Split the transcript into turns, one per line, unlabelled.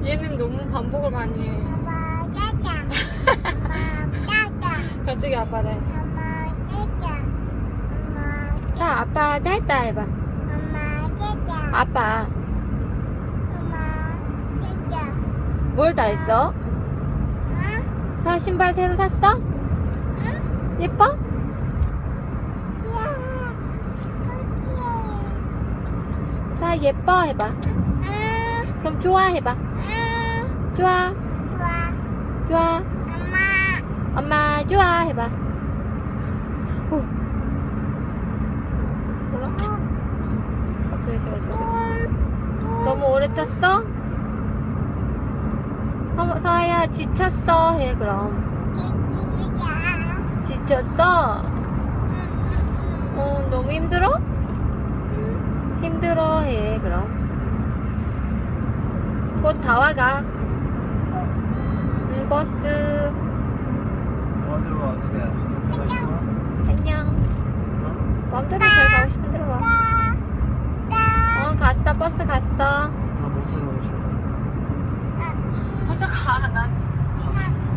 얘는 너무 반복을 많이 해.
엄마 짜자. 엄마 짜자.
갑자기 아빠래.
엄마 짜자. 엄마
자, 아빠 따따 해봐.
엄마 짜자.
아빠.
엄마 짜자.
뭘 다 했어?
응?
사 신발 새로 샀어?
응?
예뻐?
야.
사 예뻐 해봐.
응.
그럼 좋아 해봐.
응.
좋아.
좋아.
좋아.
엄마.
엄마 좋아 해봐. 오. 뭐라? 갑자기 제가 저래. 너무 오래 탔어? 서아야 지쳤어 해 그럼. 지쳤어? 너무 힘들어? 힘들어 해 그럼. 곧 다 와가. 버스.
어디로 가? 어떻게 해? 가고 싶어?
안녕. 마음대로 잘 가고 싶은 대로 가. 갔어. 버스 갔어.
나 못하게 가고 싶어.
혼자 가. 난
갔어.